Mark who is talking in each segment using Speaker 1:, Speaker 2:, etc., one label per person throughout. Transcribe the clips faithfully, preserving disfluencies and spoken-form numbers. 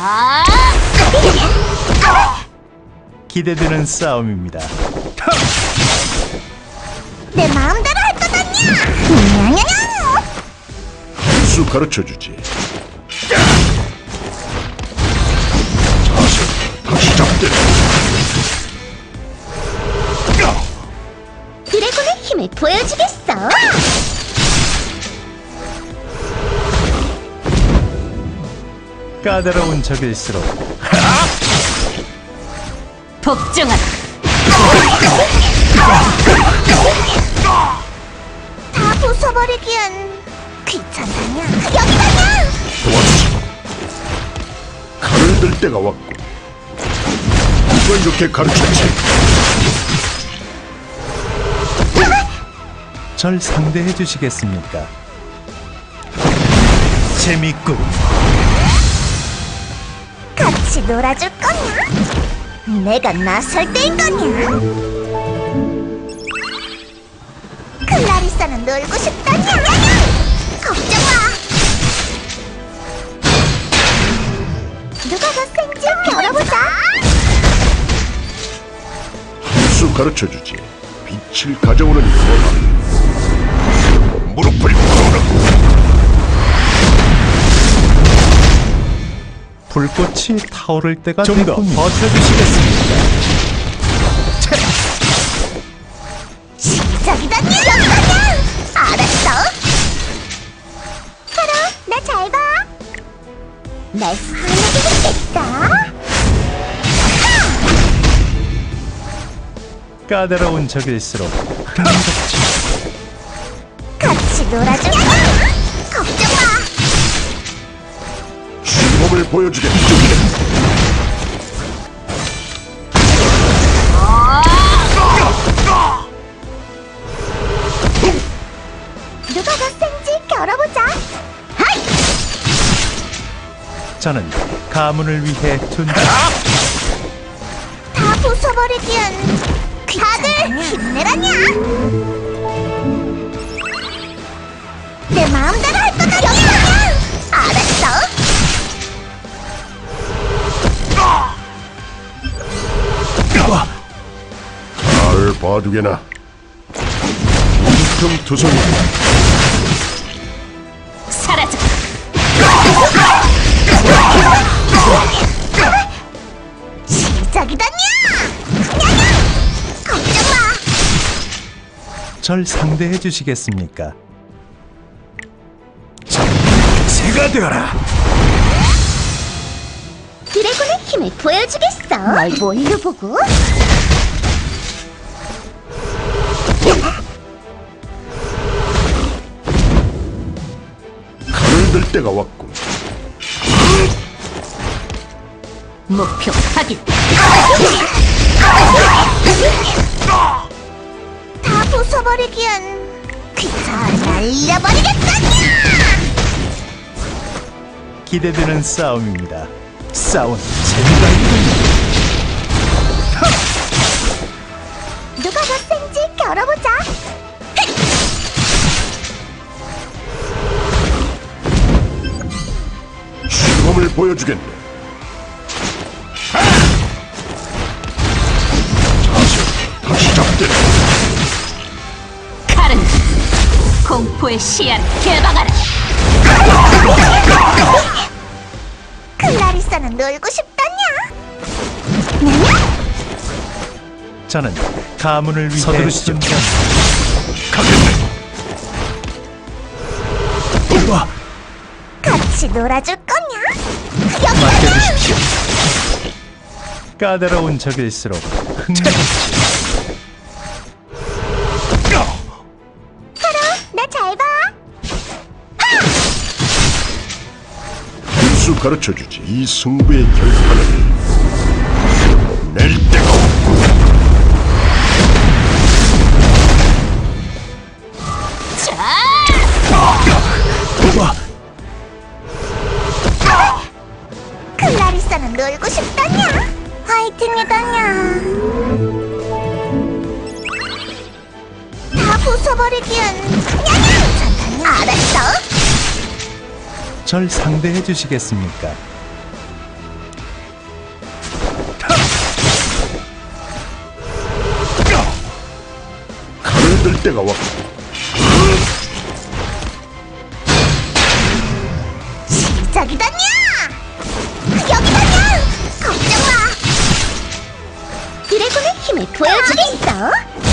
Speaker 1: 기대되는 싸움입니다.
Speaker 2: 내 마음대로 할 거다냐! 냐냐냐!
Speaker 3: 수 가르쳐주지. 자세 다시 잡대.
Speaker 2: 드래곤의 힘을 보여주겠어!
Speaker 1: 까다로운 적일수록
Speaker 4: 복종하라.
Speaker 2: 다 부숴버리기엔 귀찮다냐! 여기다냐!
Speaker 3: 도와주지. 칼을 들 때가 왔고. 누가 이렇게 가르쳤지?
Speaker 1: 절 상대해 주시겠습니까? 재밌군.
Speaker 2: 같이 놀아줄 거냐? 내가 나설 때인 거냐? 클라리사는 놀고 싶다냐? 걱정 마! 누가 더 센지 겨뤄보자!
Speaker 3: 수 가르쳐주지. 빛을 가져오는 거라. 무릎을 꿇어라.
Speaker 1: 불꽃이 타오를 때가 좀 더 버텨주시겠습니까?
Speaker 2: 시작이다냐! 여기다냐! 알았어! 하루, 나 잘 봐! 날 화나게 했겠다!
Speaker 1: 까다로운 적일수록 흥미롭지.
Speaker 2: 같이 놀아줄까? 걱정 마!
Speaker 3: 시범을 보여주겠다.
Speaker 2: 누가 더 센지 겨뤄보자! 하이!
Speaker 1: 저는 가문을 위해 존재.
Speaker 2: 다 부숴버리기엔 다들 힘내라냐! 내 마음대로 할 거다! 여기다냐! 알았어!
Speaker 3: 잘 봐두게나. 퉁퉁 투성이.
Speaker 4: 사라져.
Speaker 2: 시작이다냐! 냐냐! 걱정 마!
Speaker 1: 절 상대해 주시겠습니까? 새가 되어라.
Speaker 2: 드래곤의 힘을 보여주겠어! 널 뭘로 보고?
Speaker 3: 칼을 들 때가 왔군.
Speaker 4: 목표 확인.
Speaker 2: 다 부숴버리기엔 귀찮아 날려버리겠다냐!
Speaker 1: 기대되는 싸움입니다. 싸운 재미가 있군요.
Speaker 2: 누가 더 센지 겨뤄보자!
Speaker 3: 시범을 보여주겠네. 자세 다시 잡대.
Speaker 4: 칼은 공포의 시야를 개방하라.
Speaker 2: 클라리사는 놀고 싶다냐? 냐냐?
Speaker 1: 저는 가문을 위해
Speaker 3: 서두르시죠.
Speaker 1: 존재.
Speaker 3: 가겠네.
Speaker 1: 와,
Speaker 2: 같이 놀아줄 거냐? 여기다냐!
Speaker 1: 맡겨주십시오. 까다로운 적일수록 흥미롭지.
Speaker 2: 하루, 나 잘 봐!
Speaker 3: 수 가르쳐주지. 이 승부의 결판을 낼 때가 없고.
Speaker 1: 와,
Speaker 2: 클라리사는 놀고 싶다냐? 화이팅이다냐? 다 부숴버리기엔 냐냐! 괜찮다냐? 알았어?
Speaker 1: 절 상대해 주시겠습니까?
Speaker 3: 때가 왔고
Speaker 2: 시작이다냐! 여기다냐! 걱정 마! 드래곤의 힘을 보여주겠어!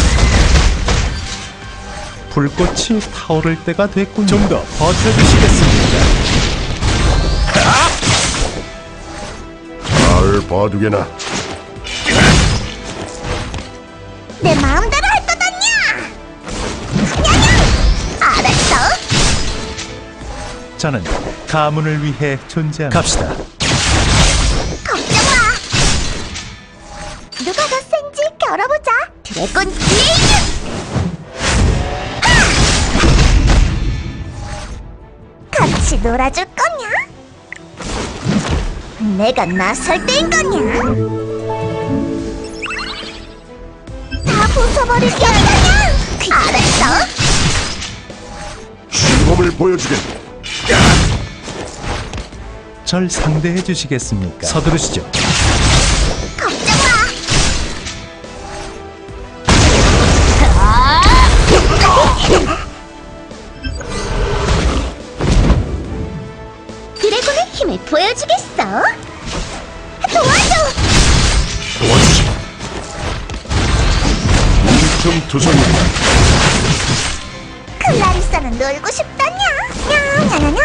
Speaker 1: 불꽃이 타오를 때가 됐군요. 좀 더 버텨주시겠습니까?
Speaker 3: 잘 봐두게나.
Speaker 2: 내 마음대로 할 거다냐! 냐냐! 알았어!
Speaker 1: 저는 가문을 위해 존재합니다. 갑시다.
Speaker 2: 걱정 마! 누가 더 센지 겨뤄보자! 드래곤 블레이드! 같이 놀아줄 거냐? 내가 나설 때인 거냐? 다 부숴버릴 거냐? 알았어?
Speaker 3: 시범을 보여주겠네.
Speaker 1: 절 상대해 주시겠습니까? 서두르시죠.
Speaker 2: 걱정 마! 드래곤의 힘을 보여주겠어? 도와줘!
Speaker 3: 도와주지. 뭉텅투성이다.
Speaker 2: 클라리사는 놀고 싶다냐? 냐냐냐냐!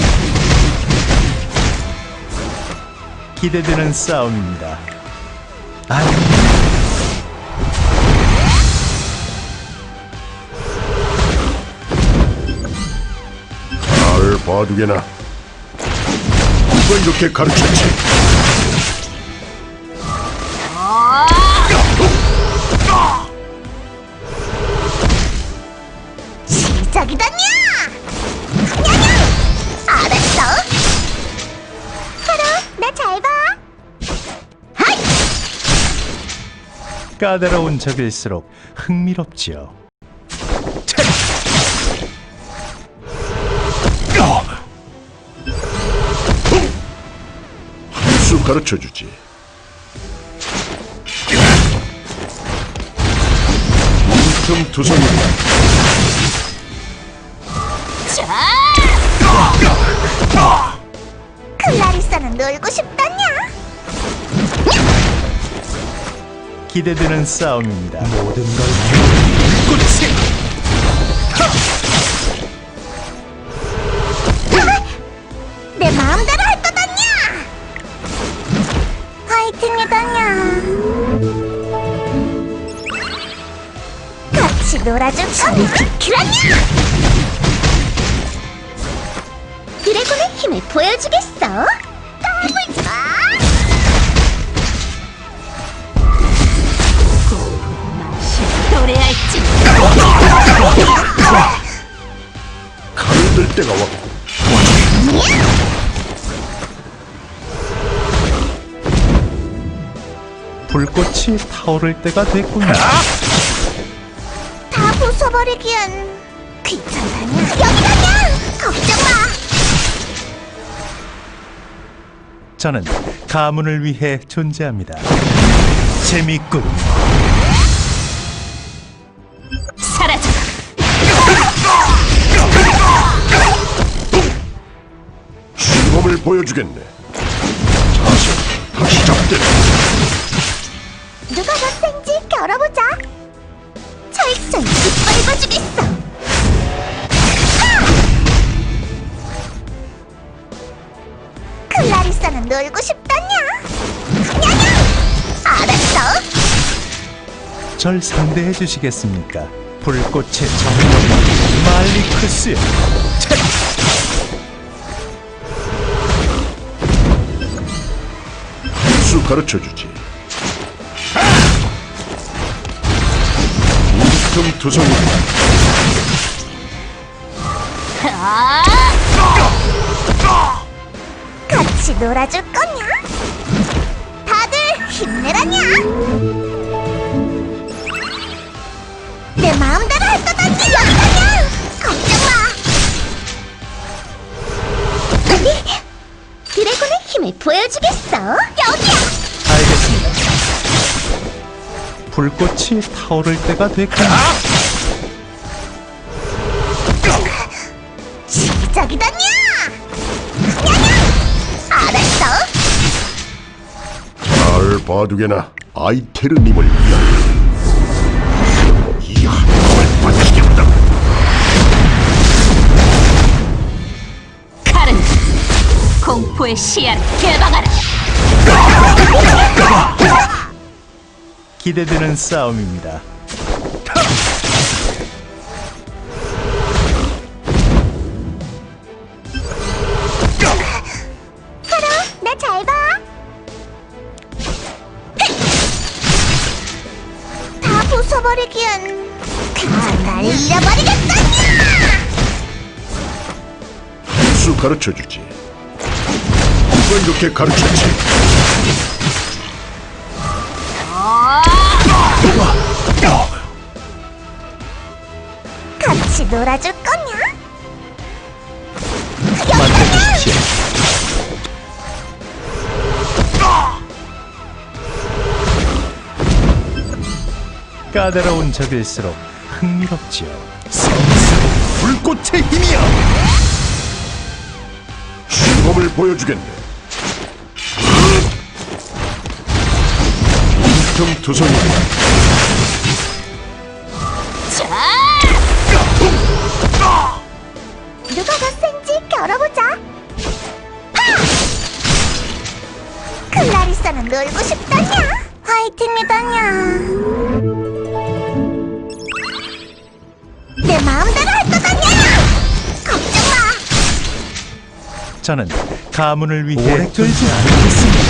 Speaker 1: 기대되는 싸움입니다. 아,
Speaker 3: 잘 봐두게나. 누가 이렇게 가르쳤지?
Speaker 2: 시작이다냐! 냐냐! 알았어! 하루, 나 잘 봐! 하이!
Speaker 1: 까다로운 적일수록 흥미롭지요.
Speaker 3: 한 수 가르쳐주지. 뭉텅투성이다.
Speaker 2: 클라리사는 놀고 싶다냐?
Speaker 1: 기대되는 싸움입니다. 모든 걸 불꽃이
Speaker 2: 내 마음대로 할 거다냐! 화이팅이다냐! 같이 놀아줄 거냐? 비키라냐! 드래곤의 힘을 보여주겠어? 까불지 마!
Speaker 4: 도래할지.
Speaker 3: 칼을 들 때가 왔고
Speaker 1: 불꽃이 타오를 때가 됐군요.
Speaker 2: 다 부숴버리기엔 귀찮다냐? 여기다냐! 걱정 마!
Speaker 1: 저는 가문을 위해 존재합니다. 재밌군.
Speaker 4: 사라져.
Speaker 3: 시범을 보여주겠네. 자세 다시 잡대.
Speaker 2: 누가 더 센지 겨뤄보자. 철저히 짓밟아주겠어. 아! 클라리사는 놀고 싶다냐? 냐냐! 알았어?
Speaker 1: 절 상대해 주시겠습니까? 불꽃의 정령 말리크스.
Speaker 3: 한 수 가르쳐주지. 뭉텅투성이다.
Speaker 2: 같이 놀아줄 거냐? 다들 힘내라냐? 내 마음대로 할 거다냐? 여기다냐? 걱정 마! 아니, 드래곤의 힘을 보여주겠어? 여기야!
Speaker 1: 알겠습니다. 불꽃이 타오를 때가 됐군요.
Speaker 2: 반짝이다냐! 냐냐! 알았어!
Speaker 3: 잘 봐두게나 아이테르님을 위하여 이 한몸을 바치겠다.
Speaker 4: 칼은 공포의 시야를 개방하라.
Speaker 1: 기대되는 싸움입니다.
Speaker 2: 하루, 나 잘 봐! 다 부숴버리기엔 다날 잃어버리겠다냐!
Speaker 3: 수 가르쳐주지. 누가 이렇게 가르쳤지?
Speaker 2: 같이 놀아줄 거냐?
Speaker 1: 맡겨주십시오. 까다로운 적일수록 흥미롭지요. 성스러운 불꽃의 힘이여!
Speaker 3: 시범을 보여주겠네. tum투성이
Speaker 2: 누가 더 센지 겨뤄보자! 하! 클라리사는 놀고 싶다냐? 화이팅이다냐? 내 마음대로 할 거다냐? 걱정 마!
Speaker 1: 저는 가문을 위해 오래 끌지 않겠습니다.